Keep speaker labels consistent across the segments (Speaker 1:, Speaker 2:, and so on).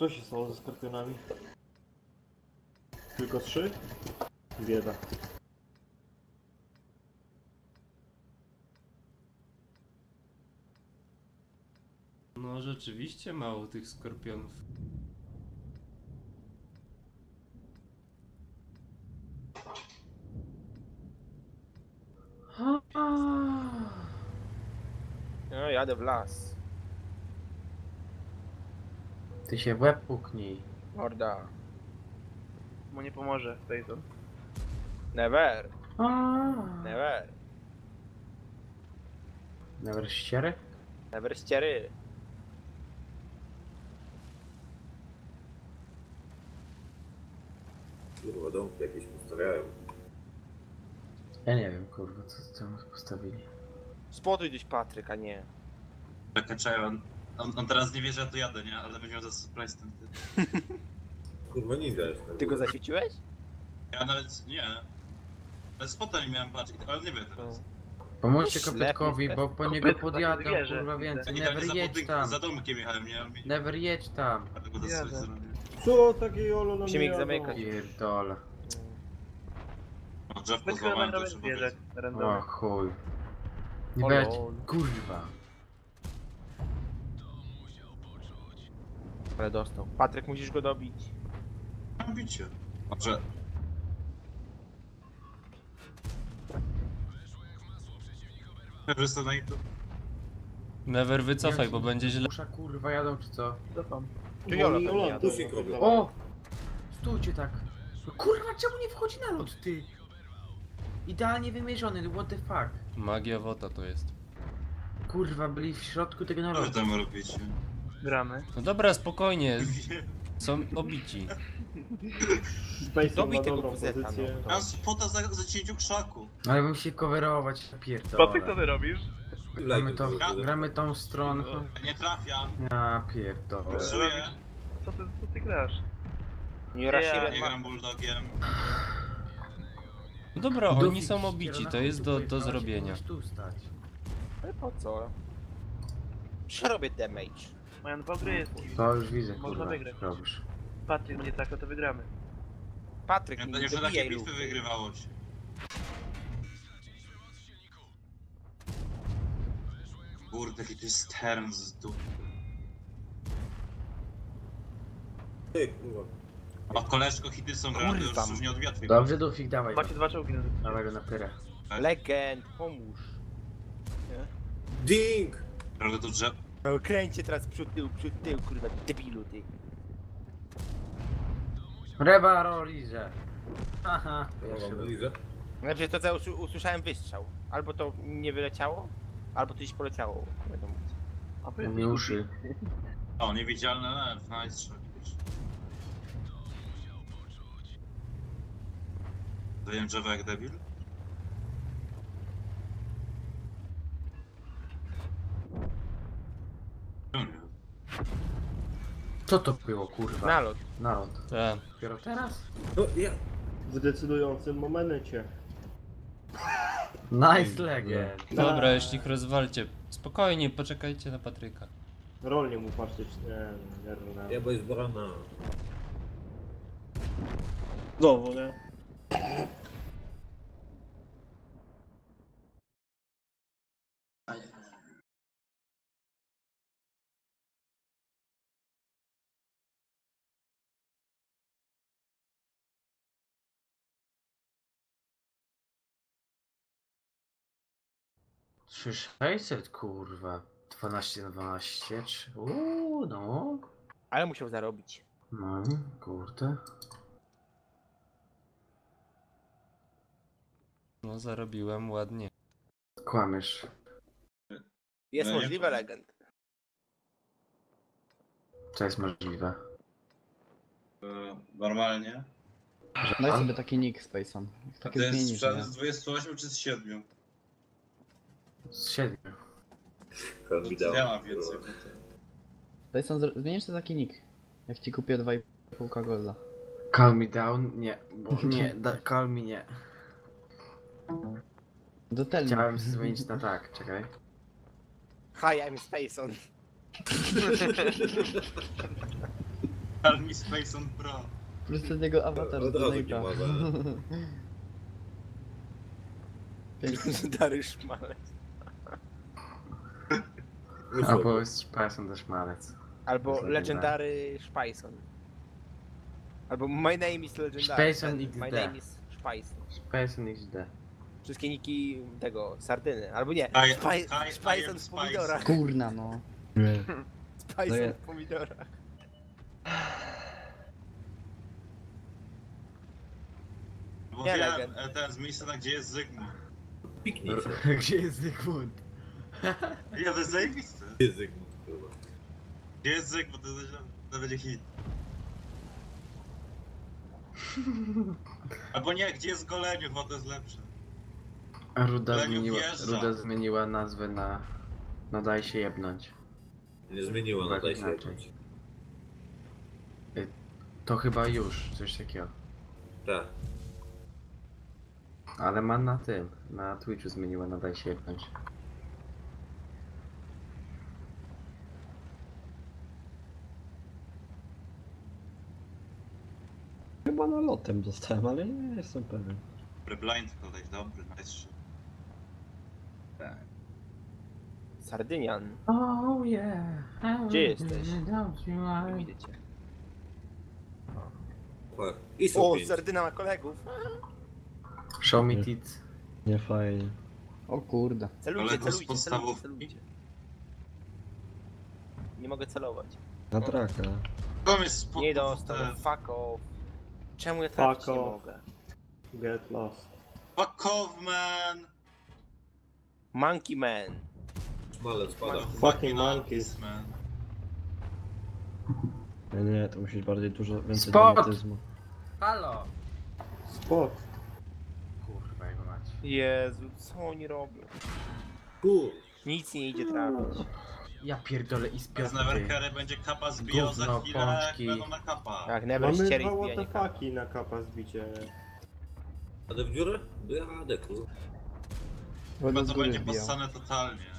Speaker 1: Co się stało ze skorpionami? Tylko 3? Bieda.
Speaker 2: No rzeczywiście mało tych skorpionów.
Speaker 3: No, jadę w las.
Speaker 4: Ty się w łeb puknij.
Speaker 3: Morda.
Speaker 5: Mu nie pomoże, Peyton.
Speaker 3: Never. Never.
Speaker 4: Never ściery?
Speaker 3: Never ściery.
Speaker 6: Kurwa, domki jakieś postawiają.
Speaker 4: Ja nie wiem, kurwa, co tam postawili.
Speaker 3: Spotuj gdzieś Patryk, a nie.
Speaker 7: Czekaj, on teraz nie wie, że ja tu jadę, nie? Ale będzie miał za surprise ten typ.
Speaker 6: Kurwa, nie widać.
Speaker 3: Ty go zaświeciłeś?
Speaker 7: Ja nawet nie. Ale spota nie miałem patrzeć, ale nie wiem teraz.
Speaker 4: Pomóżcie
Speaker 3: Ślepy
Speaker 4: kopytkowi,
Speaker 3: jest.
Speaker 4: bo po niego
Speaker 5: Kopytko
Speaker 4: podjadę,
Speaker 5: tak wierzę,
Speaker 4: kurwa
Speaker 5: widzę.
Speaker 7: Ja
Speaker 4: więcej.
Speaker 7: nie tak
Speaker 4: Never jedź tam.
Speaker 7: za domkiem jechałem, nie?
Speaker 4: Never jedź tam.
Speaker 7: Dlatego to
Speaker 5: Jadę.
Speaker 7: coś zrobię.
Speaker 1: Co takie olo na
Speaker 3: Musimy ich
Speaker 1: mnie
Speaker 3: zamykać.
Speaker 4: Pierdolę.
Speaker 7: No, drzewko
Speaker 5: Tylko
Speaker 7: złamałem, to
Speaker 5: nagramy
Speaker 7: trzeba
Speaker 5: zwierzę
Speaker 7: powiedzieć.
Speaker 4: O
Speaker 5: randomy.
Speaker 4: chuj. Nie
Speaker 3: O
Speaker 4: będzie.
Speaker 3: lol.
Speaker 4: Kurwa.
Speaker 3: Ale dostał. Patryk, musisz go dobić.
Speaker 7: Mam bicie. Może... Ja wystał na YouTube.
Speaker 2: Never wycofaj, bo będzie źle.
Speaker 4: Musza kurwa jadą czy co?
Speaker 5: Cofam.
Speaker 3: Tu Jolo
Speaker 1: Oni
Speaker 3: pewnie
Speaker 1: Ola
Speaker 3: jadą.
Speaker 6: Pusik robią.
Speaker 4: O! Stójcie tak. No kurwa, czemu nie wchodzi na lód, ty? Idealnie wymierzony, what the fuck?
Speaker 2: Magia wota to jest.
Speaker 4: Kurwa, byli w środku tego
Speaker 7: Co wy
Speaker 4: narodu.
Speaker 7: tam robicie?
Speaker 5: Gramy.
Speaker 2: No dobra, spokojnie. Są obici.
Speaker 1: Space
Speaker 3: Dobij
Speaker 1: ma
Speaker 3: tego
Speaker 1: dobrą
Speaker 3: kuzeta,
Speaker 1: pozycję.
Speaker 3: no.
Speaker 7: Mam spota za cięciu krzaku.
Speaker 4: Ale bym się coverować,
Speaker 5: Co ty,
Speaker 4: pierdolę.
Speaker 5: co ty robisz?
Speaker 4: Gramy tą stronę.
Speaker 7: Nie trafiam.
Speaker 4: Ja pierdolę.
Speaker 7: Żyję.
Speaker 5: Co ty grasz?
Speaker 3: Nie Rashiren
Speaker 7: Nie
Speaker 3: ma...
Speaker 7: gram bulldogiem.
Speaker 2: No dobra, oni
Speaker 4: Dufik
Speaker 2: są obici, to jest do zrobienia.
Speaker 4: Tu stać.
Speaker 3: Ale po co? Przecież robię damage.
Speaker 5: Mają 2 gry.
Speaker 4: To już widzę,
Speaker 5: Można
Speaker 4: kurwa,
Speaker 5: wygrać.
Speaker 4: co robisz.
Speaker 5: Patryk będzie tak, to wygramy.
Speaker 3: Patryk,
Speaker 7: Ja
Speaker 3: nie
Speaker 7: to jeszcze takie
Speaker 3: dobijaj
Speaker 7: bitwy
Speaker 3: lufy.
Speaker 7: wygrywało się. Kurde, jaki to jest term z dupy.
Speaker 6: Ty, kurwa.
Speaker 7: A koleżko hity są grane, to
Speaker 3: Kurwa.
Speaker 7: już nie odbija twojego.
Speaker 4: Dobrze, Dufik, dawaj.
Speaker 5: Macie 2 czołgi na
Speaker 4: Dawaj go na pyrę.
Speaker 3: Legend, pomóż.
Speaker 6: Ding!
Speaker 7: Prawda to drzew...
Speaker 3: No kręcie teraz przód, tył, kurwa, debilu ty.
Speaker 4: Reba Rolize. Aha.
Speaker 6: Kurwa, bliżej.
Speaker 3: Znaczy to co usłyszałem wystrzał. Albo to nie wyleciało, albo to gdzieś poleciało. Wiadomo.
Speaker 5: A wy
Speaker 4: Nie uszy.
Speaker 7: O, niewidzialny lew, nice shot. Daję drzewo jak debil? No nie.
Speaker 4: Co to było, kurwa?
Speaker 3: Nalot.
Speaker 4: Nalot.
Speaker 2: Tak.
Speaker 4: Dopiero teraz?
Speaker 6: No, ja...
Speaker 1: W decydującym momencie.
Speaker 4: Nice legend.
Speaker 2: Dobra, jeśli ich rozwalcie. Spokojnie, poczekajcie na Patryka.
Speaker 1: Rolnie mu patrzeć. Nie.
Speaker 6: Ja bo jest barana.
Speaker 1: Znowu, nie?
Speaker 4: Trzy 600, kurwa. 12 na 12. No.
Speaker 3: Ale musiał zarobić.
Speaker 4: No, kurde.
Speaker 2: No zarobiłem ładnie.
Speaker 4: Kłamiesz.
Speaker 3: Jest
Speaker 7: No nie
Speaker 3: możliwe
Speaker 7: powiem.
Speaker 3: legend.
Speaker 4: Co jest możliwe?
Speaker 7: Normalnie.
Speaker 8: Daj sobie taki nick Spaceon.
Speaker 7: A
Speaker 8: Takie
Speaker 7: to jest
Speaker 8: zmienisz, nie?
Speaker 7: sprzęt z 28 czy z 7?
Speaker 4: Z 7.
Speaker 7: Ja mam więcej.
Speaker 8: Spaceon, zmienisz sobie taki nick. Jak ci kupię 2,5 golda.
Speaker 4: Calm me down? Nie, bo nie, calm me nie.
Speaker 8: Do telny.
Speaker 4: Chciałem zmienić na tak, czekaj.
Speaker 3: Hi, I'm Spaceon.
Speaker 7: Army Space on Pro.
Speaker 8: Plus ten jego awatar
Speaker 6: Od
Speaker 8: z
Speaker 6: razu
Speaker 8: Donate'a.
Speaker 6: nie może.
Speaker 8: Pięknie.
Speaker 3: Dary szmalec.
Speaker 9: Albo jest Szpajson też malec.
Speaker 3: Albo
Speaker 9: Zagadane.
Speaker 3: Legendary Szpajson. Albo My name is Legendary.
Speaker 9: Szpajson
Speaker 3: My
Speaker 9: XD.
Speaker 3: name is Szpajson.
Speaker 9: Szpajson XD.
Speaker 3: Wszystkie niki tego, sardyny. Albo nie,
Speaker 7: I
Speaker 3: Szpajson
Speaker 7: am
Speaker 3: w pomidorach.
Speaker 8: Kurna no.
Speaker 3: Szpajson w pomidorach.
Speaker 7: Bo
Speaker 3: Nie,
Speaker 7: wiem,
Speaker 3: legend.
Speaker 7: ten z miejsca, gdzie jest Zygmunt.
Speaker 6: Piknij się.
Speaker 9: Gdzie jest Zygmunt?
Speaker 7: Ja, to jest zajebiste.
Speaker 6: Język, kurwa.
Speaker 7: Gdzie jest Zygmunt, to będzie hit. Albo nie, gdzie jest Goleniów, bo to jest lepsze.
Speaker 9: Ruda zmieniła nazwę na Daj się jebnąć.
Speaker 6: Nie zmieniło, no
Speaker 9: Tak
Speaker 6: daj się
Speaker 9: inaczej.
Speaker 6: jebnąć.
Speaker 9: To chyba już coś takiego.
Speaker 6: Tak.
Speaker 9: Ale ma na tym, na Twitchu zmieniła na Daj się jebnąć.
Speaker 10: Chyba nalotem dostałem, ale nie jestem pewien.
Speaker 7: Dobry blind koleś, dobry, nice shot.
Speaker 3: Sardynian.
Speaker 9: Oh yeah.
Speaker 3: Gdzie jesteś? Nie widzę cię.
Speaker 6: Tak. I
Speaker 3: O,
Speaker 6: są pięć.
Speaker 3: Sardyna ma kolegów.
Speaker 9: Show me tits.
Speaker 10: Nie fajnie.
Speaker 8: O kurde.
Speaker 3: Celujcie,
Speaker 7: Kolegów z
Speaker 3: celujcie,
Speaker 7: podstawówki.
Speaker 3: celujcie. Nie mogę celować.
Speaker 10: Na traka.
Speaker 7: Tam jest spoko.
Speaker 3: Nie dostał, fuck off. Czemu ja trafić nie
Speaker 1: off.
Speaker 3: mogę?
Speaker 1: Get lost.
Speaker 7: Fuck off, man!
Speaker 3: Monkey Man.
Speaker 6: Smalec spada.
Speaker 1: Fucking monkeys.
Speaker 7: man.
Speaker 10: Nie, to musisz bardziej dużo więcej
Speaker 9: Spot!
Speaker 10: dramatyzmu.
Speaker 9: Halo!
Speaker 1: Spot.
Speaker 9: Kurwa jego mać.
Speaker 3: Jezu, co oni robią?
Speaker 6: Kur.
Speaker 3: Nic nie idzie trafić.
Speaker 9: Ja pierdolę i
Speaker 7: Z
Speaker 9: spiąty.
Speaker 7: Neverkery będzie kapa zbijał za
Speaker 9: Gówno,
Speaker 7: chwilę,
Speaker 9: pączki.
Speaker 7: będą na kapa.
Speaker 3: Tak, never
Speaker 1: Mamy
Speaker 3: ściery
Speaker 1: dwa
Speaker 3: wbijanie kapa.
Speaker 1: WTF-aki na kapa zbicie.
Speaker 6: Jadę w dziurę? Jadę, kurwa.
Speaker 8: Wodę
Speaker 7: Chyba
Speaker 8: z
Speaker 7: to
Speaker 8: góry
Speaker 7: będzie
Speaker 8: wbijał.
Speaker 7: possane totalnie.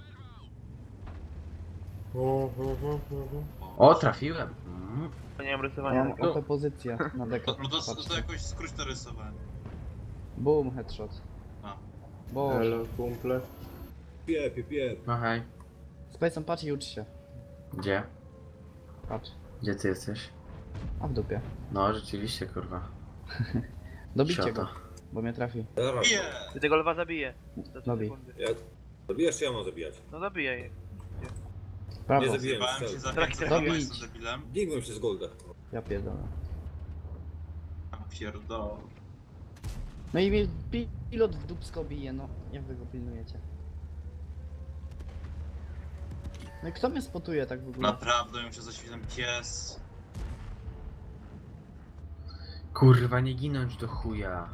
Speaker 9: O, trafiłem.
Speaker 5: Nie mam
Speaker 8: Ja
Speaker 5: rysowania.
Speaker 8: mam oto pozycję na dekę.
Speaker 7: No to
Speaker 8: Patrzcie.
Speaker 7: jakoś skróć to rysowanie.
Speaker 8: Boom, headshot.
Speaker 7: A.
Speaker 8: Boże.
Speaker 1: Hello, kumple.
Speaker 6: Piep.
Speaker 9: No hej.
Speaker 8: Spacem patrz i ucz się.
Speaker 9: Gdzie?
Speaker 8: Patrz.
Speaker 9: Gdzie ty jesteś?
Speaker 8: A w dupie.
Speaker 9: No rzeczywiście kurwa.
Speaker 8: Dobijcie
Speaker 9: Siota.
Speaker 8: go, bo mnie trafi.
Speaker 6: Zaraz.
Speaker 7: Bije!
Speaker 5: Ty tego lwa zabiję. Za 3
Speaker 8: Dobij.
Speaker 5: sekundy.
Speaker 6: Jak? Zabijasz, czy ja mam zabijać?
Speaker 5: No zabijaj.
Speaker 8: Prawo.
Speaker 6: Nie zabiję.
Speaker 7: Zjebałem się za
Speaker 5: Tak,
Speaker 7: 500,
Speaker 5: tak.
Speaker 7: bo jestem debilem.
Speaker 6: Dingłem się z golda.
Speaker 8: Ja pierdolę.
Speaker 7: A pierdol.
Speaker 8: No i mnie pilot w dupsko bije, no. Jak wy go pilnujecie? No i kto mnie spotuje tak w ogóle?
Speaker 7: Naprawdę, mi się za świtem pies.
Speaker 9: Kurwa nie ginąć do chuja.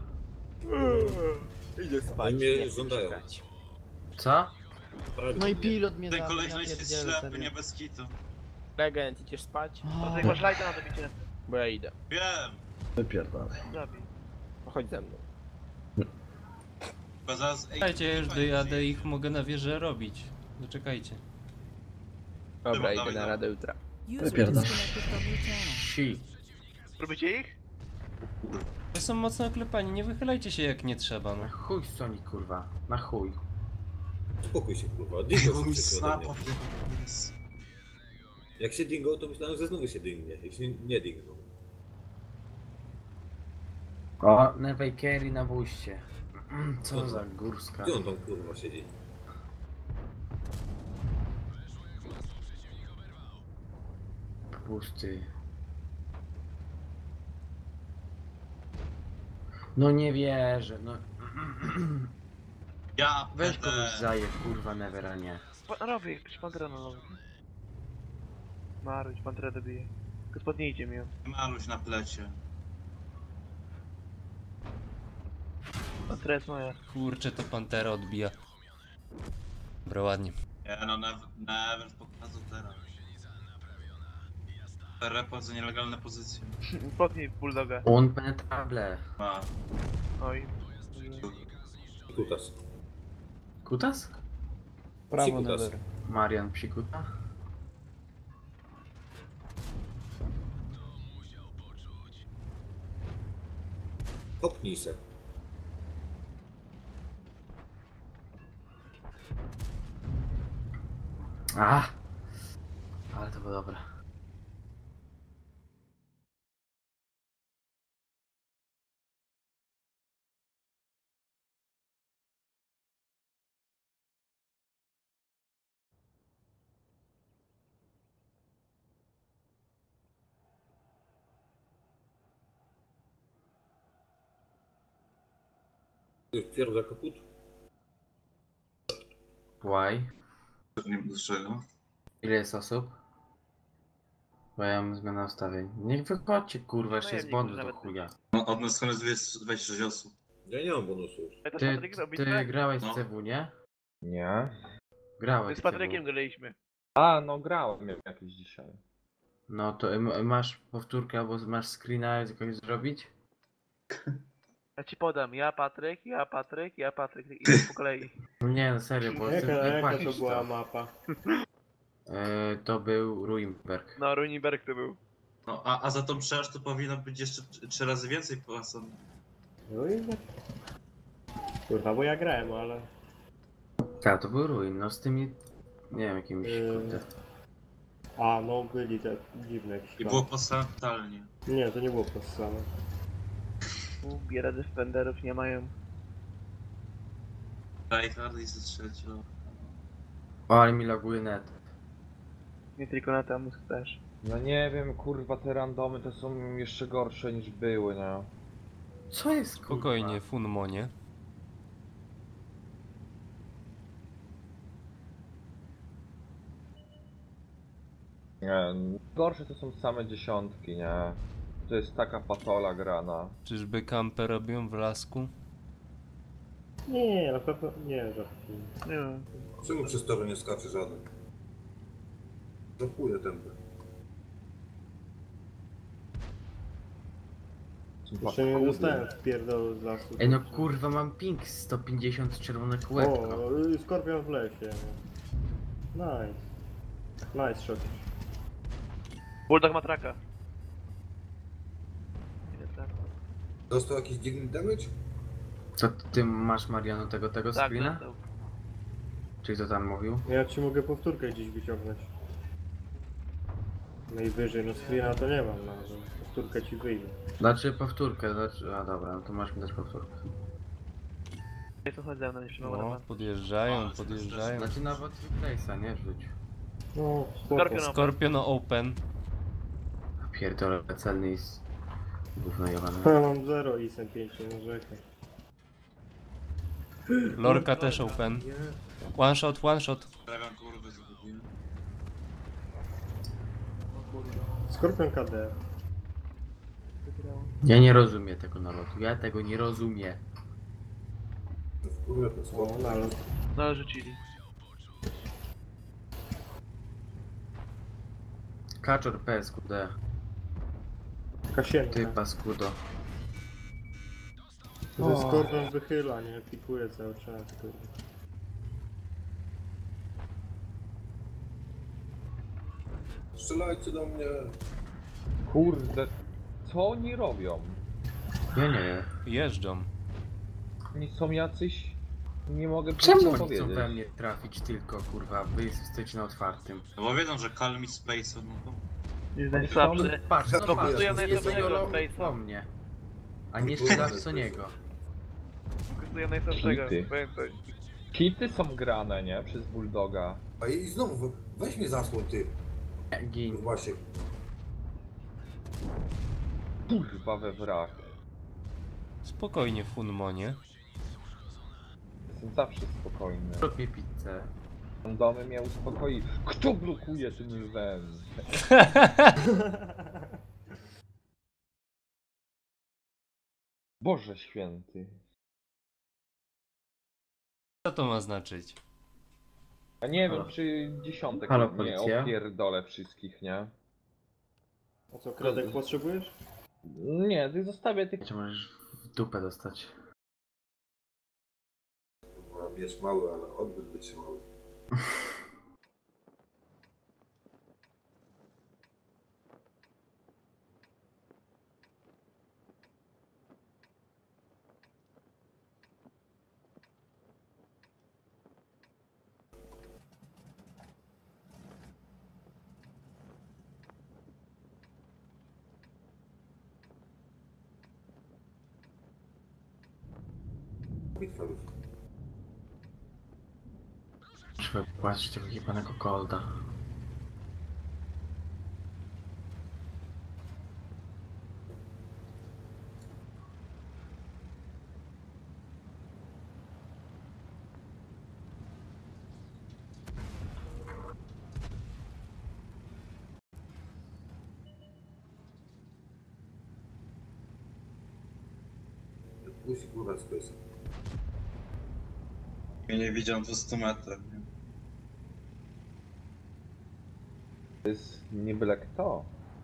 Speaker 3: Idę spać.
Speaker 6: Oni mnie
Speaker 3: nie chcę mi się
Speaker 6: żądają.
Speaker 3: grać.
Speaker 9: Co?
Speaker 6: Prawie
Speaker 8: No i
Speaker 6: mnie.
Speaker 8: pilot mnie
Speaker 7: Ten
Speaker 8: zabił,
Speaker 7: koleś
Speaker 8: ja
Speaker 7: jest
Speaker 8: pierdzielę,
Speaker 7: ślepy,
Speaker 8: serio.
Speaker 7: nie bez kitu.
Speaker 3: Legend, idziesz spać?
Speaker 5: No to jak masz lajta na to bicie,
Speaker 3: Bo ja idę.
Speaker 7: Wiem!
Speaker 10: Wypierdalaj.
Speaker 5: zabij.
Speaker 3: Chodź ze mną.
Speaker 7: Bo zaraz...
Speaker 2: Czekajcie, ja już dojadę i ich mogę na wieżę robić. Zaczekajcie.
Speaker 3: Dobra,
Speaker 7: Dawaj,
Speaker 3: idę na
Speaker 7: dawaj.
Speaker 3: radę jutra.
Speaker 10: Wypierdalaj.
Speaker 9: Si.
Speaker 5: Robicie ich?
Speaker 2: To są mocno oklepani, nie wychylajcie się jak nie trzeba, no.
Speaker 9: Na chuj Sonic kurwa. Na chuj.
Speaker 6: Spokój się, kurwa. Dingo się
Speaker 7: Mój
Speaker 6: przykrył ode mnie.
Speaker 7: snap, jest.
Speaker 6: Jak się dingo, to myślałem, że znowu się dingnie. Jak się nie dingnął.
Speaker 9: O, Newej Kerry na wójście. Co za górska.
Speaker 6: Gdzie on tam, kurwa, siedzi?
Speaker 9: Pusty. No nie wierzę, no.
Speaker 7: Ja
Speaker 9: Weź
Speaker 7: będę...
Speaker 9: kogoś zaje, kurwa, Nevera nie.
Speaker 5: Robię, jakiś pantera na nowy. Maruś, pantera dobije. Tylko spodnijcie mi ją.
Speaker 7: Maluś na plecie.
Speaker 5: Pantera jest moja.
Speaker 2: Kurczę, to Pantera odbija. Dobra, ładnie.
Speaker 7: Nie no, never pokazał teraz. Repo za nielegalne pozycje.
Speaker 5: Spodnij bulldoga.
Speaker 9: Un penetrable.
Speaker 7: Ma.
Speaker 5: Oj.
Speaker 6: Kutas.
Speaker 9: Kutas?
Speaker 8: Prawo
Speaker 6: Psikutas.
Speaker 8: never.
Speaker 9: Marian psikuta?
Speaker 6: Popnij se.
Speaker 9: A! Ale to było dobre.
Speaker 6: Ty Twierdza kaput.
Speaker 9: Why?
Speaker 7: Nie wiem do czego.
Speaker 9: Ile jest osób? Bo ja mam zmianę ustawień. Niech wychodźcie, kurwa, jeszcze jest bonus do chuja.
Speaker 7: No, od nas koniec 26 osób.
Speaker 6: Ja nie mam bonusu już.
Speaker 5: To z
Speaker 9: Ty,
Speaker 5: Patrykiem robić,
Speaker 9: ty grałeś
Speaker 7: No.
Speaker 9: w CW, nie?
Speaker 11: Nie.
Speaker 9: Grałeś
Speaker 5: z
Speaker 9: w CW.
Speaker 5: Patrykiem graliśmy.
Speaker 11: A, no grałem jakiś dzisiaj.
Speaker 9: No to masz powtórkę albo masz screena z kogoś zrobić?
Speaker 5: Ja ci podam, ja Patryk, ja Patryk, ja Patryk. I po kolei.
Speaker 9: Nie, no serio, bo ty
Speaker 1: Jaka to
Speaker 9: płacisz
Speaker 1: była
Speaker 9: to.
Speaker 1: mapa?
Speaker 9: To był Ruimberg.
Speaker 5: No, Ruinberg to był.
Speaker 7: No, a za tą przeaż to powinno być jeszcze 3 razy więcej płacone.
Speaker 1: No i... Kurwa, bo ja grałem, ale...
Speaker 9: Tak, to był Ruin, no z tymi... Nie wiem, jakimiś, kurde.
Speaker 1: A, no byli te dziwne jakieś
Speaker 7: I
Speaker 1: tam.
Speaker 7: było posłane totalnie.
Speaker 1: Nie, to nie było posłane.
Speaker 5: Biera defenderów nie mają.
Speaker 7: Tryhard i ze trzecią.
Speaker 9: O, ale mi laguje net.
Speaker 5: Nie tylko na tam też.
Speaker 11: No nie wiem, kurwa, te randomy to są jeszcze gorsze niż były, nie?
Speaker 9: Co jest, kurwa?
Speaker 2: Spokojnie, Funmonie.
Speaker 11: Nie, gorsze to są same dziesiątki, nie? To jest taka patola grana.
Speaker 2: Czyżby kampę robią w lasku?
Speaker 1: Nie, na pewno nie, żartuję.
Speaker 5: Nie wiem.
Speaker 6: Czemu przez to nie skacze żaden? Zapuję tempę.
Speaker 1: Jeszcze nie dostałem wpierdolu z lasu.
Speaker 9: Ej, no kurwa, mam ping 150 czerwone kółeczko.
Speaker 1: O, skorpion w lesie. Nice. Nice shot.
Speaker 5: Bulldog ma traka. Ile tak?
Speaker 6: Dostał jakiś dziwny damage?
Speaker 9: Co ty masz, Mariano, tego
Speaker 5: Tak,
Speaker 9: screena?
Speaker 5: dostał.
Speaker 9: Czy kto tam mówił?
Speaker 1: Ja ci mogę powtórkę gdzieś wyciągnąć. Najwyżej, no screena to nie mam, no ale powtórkę ci wyjdzie.
Speaker 9: Znaczy powtórkę, znaczy... A dobra, no to masz mi dać powtórkę.
Speaker 5: Nie to chodzi ze mną, jeszcze mam
Speaker 2: No,
Speaker 5: na
Speaker 2: podjeżdżają, podjeżdżają.
Speaker 9: Znaczy nawet replace'a, nie rzuć.
Speaker 1: No, spoko.
Speaker 5: Skorpion.
Speaker 2: Scorpion open.
Speaker 9: Pierdolę, celny jest... Gówno jebane.
Speaker 1: Ja mam 0 i jestem 5, nie narzekaj.
Speaker 2: Lorka też open. One shot, one shot.
Speaker 7: Prawiam kurwy zgubiłem.
Speaker 1: Skorpion KD.
Speaker 9: Ja nie rozumiem tego nalotu, ja tego nie rozumiem.
Speaker 6: Kurwa, to
Speaker 1: O,
Speaker 6: słabo.
Speaker 1: nalot.
Speaker 5: No ale rzucili.
Speaker 9: Kaczor PSQD,
Speaker 1: Kasienka.
Speaker 9: ty paskudo.
Speaker 1: Że skorpion wychyla, nie? Pikuje cały czas, kurde.
Speaker 6: Strzelajcie do mnie.
Speaker 11: Kurde, co oni robią?
Speaker 9: Ja nie wiem.
Speaker 2: Jeżdżą.
Speaker 11: Oni są jacyś... Nie mogę
Speaker 9: Czemu
Speaker 11: nic
Speaker 9: oni
Speaker 11: powiedzieć.
Speaker 9: chcą we mnie trafić tylko, kurwa? Wy jesteście na otwartym.
Speaker 7: No bo wiedzą, że Calm i Space no to...
Speaker 5: Jest najsłabszy.
Speaker 9: Patrz, no
Speaker 5: To
Speaker 9: patrz,
Speaker 5: pasuje na
Speaker 9: jest
Speaker 5: jednego
Speaker 9: jego
Speaker 5: Space'a.
Speaker 9: po mnie. A nie strzelasz co niego.
Speaker 5: Kosztuje najsłabszego,
Speaker 11: Hity.
Speaker 5: pamiętaj.
Speaker 11: Hity są grane, nie? Przez Bulldoga.
Speaker 6: A i znowu, weź mnie zasłoń, ty.
Speaker 9: Gin.
Speaker 6: Właśnie.
Speaker 11: Kurwa we wrak.
Speaker 2: Spokojnie, Funmonie.
Speaker 11: Jestem zawsze spokojny.
Speaker 9: Zrób mi pizzę.
Speaker 11: Randomy mnie uspokoi. Kto blokuje tym lwem? Boże święty.
Speaker 2: Co to ma znaczyć?
Speaker 11: A nie wiem,
Speaker 9: Halo.
Speaker 11: czy dziesiątek
Speaker 9: Halo,
Speaker 11: nie
Speaker 9: policja?
Speaker 11: opierdolę wszystkich, nie?
Speaker 1: A co, kredek potrzebujesz?
Speaker 11: Nie, ty zostawię tych...
Speaker 9: Czy możesz w dupę dostać?
Speaker 6: Jest mały, ale odbyt wytrzymały. Bitwa już.
Speaker 9: Trzeba płacić tego jebanego golda.
Speaker 6: Puść kurwa space.
Speaker 7: Ja nie widziałem 200 metrów. Nie?
Speaker 11: To jest nie byle kto.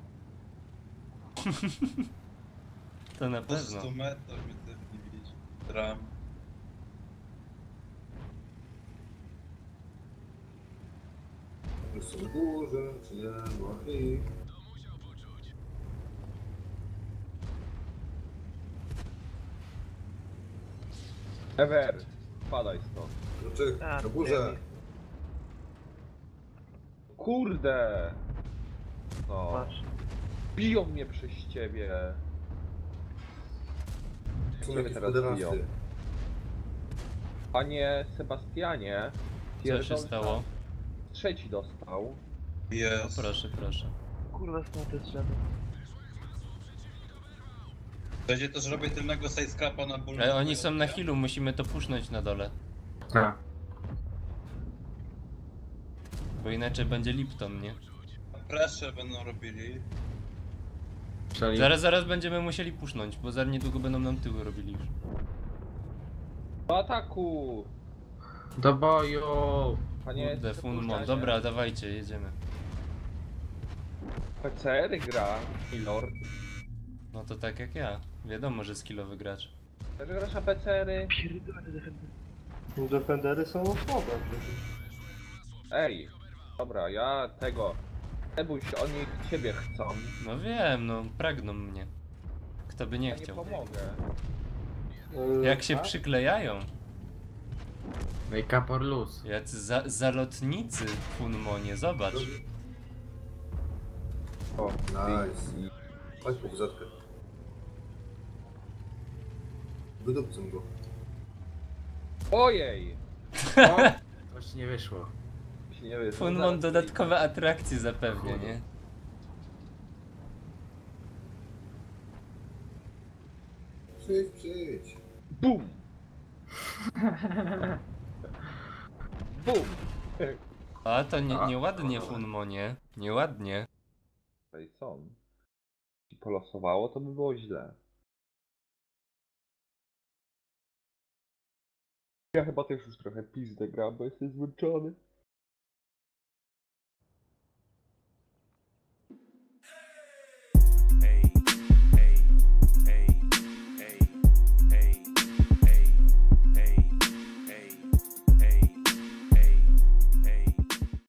Speaker 2: To na
Speaker 7: 200
Speaker 2: pewno.
Speaker 7: metrów mnie też nie widzi. Tram.
Speaker 6: Już są duże, czy nie ma ich.
Speaker 11: Ever, spadaj stąd.
Speaker 6: Kroczyk,
Speaker 5: A,
Speaker 6: na górze.
Speaker 11: Kurde! No.
Speaker 5: Masz.
Speaker 11: Biją mnie przez ciebie.
Speaker 6: Są
Speaker 11: Ciebie
Speaker 6: jakieś
Speaker 11: teraz biją.
Speaker 6: poderasty.
Speaker 11: Panie Sebastianie,
Speaker 2: Co się
Speaker 11: pierdolca
Speaker 2: stało?
Speaker 11: trzeci dostał.
Speaker 2: O,
Speaker 7: Jest.
Speaker 2: proszę, proszę.
Speaker 5: Kurwa, stąd te drzewo.
Speaker 7: Będzie też robię tylnego sidescrapa na ból.
Speaker 2: Ale oni są na healu, musimy to pusznąć na dole.
Speaker 9: Tak.
Speaker 2: Bo inaczej będzie Lipton, nie?
Speaker 7: Presze będą robili.
Speaker 9: Czyli
Speaker 2: Zaraz będziemy musieli pusznąć, bo za niedługo będą nam tyły robili już.
Speaker 11: Do ataku!
Speaker 9: do boju!
Speaker 11: Panie
Speaker 2: Kurde, Funmon.
Speaker 11: Sebastianie,
Speaker 2: Dobra, dawajcie, jedziemy.
Speaker 11: PCR gra, Milord.
Speaker 2: No to tak jak ja. Wiadomo, że skillowy gracz.
Speaker 11: Też grasz na PCR-y?
Speaker 5: Pierdolę te defendy.
Speaker 1: Defendery są słabe przecież.
Speaker 11: Ej, dobra, ja tego. Nie bój się, oni ciebie chcą.
Speaker 2: No wiem, no pragną mnie. Kto by nie
Speaker 11: Ja nie
Speaker 2: chciał.
Speaker 11: pomogę.
Speaker 2: Jak się
Speaker 1: Tak?
Speaker 2: przyklejają.
Speaker 9: Make up or lose.
Speaker 2: Jacy zalotnicy w Funmonie, zobacz.
Speaker 11: O,
Speaker 6: Nice. Chodź po wrzetkę. Wydupcę go.
Speaker 11: Ojej!
Speaker 9: O! Coś nie wyszło.
Speaker 11: Mi się nie wyszło.
Speaker 2: Funmon
Speaker 11: Zaraz
Speaker 2: dodatkowe atrakcje zapewnia, nie?
Speaker 6: Przyjdź.
Speaker 11: BUM! BUM!
Speaker 2: A to nieładnie Funmonie. Nieładnie.
Speaker 11: Tutaj są. Jeśli polosowało, to by było źle. Ja chyba też już trochę pizdę gram, bo jestem zmęczony.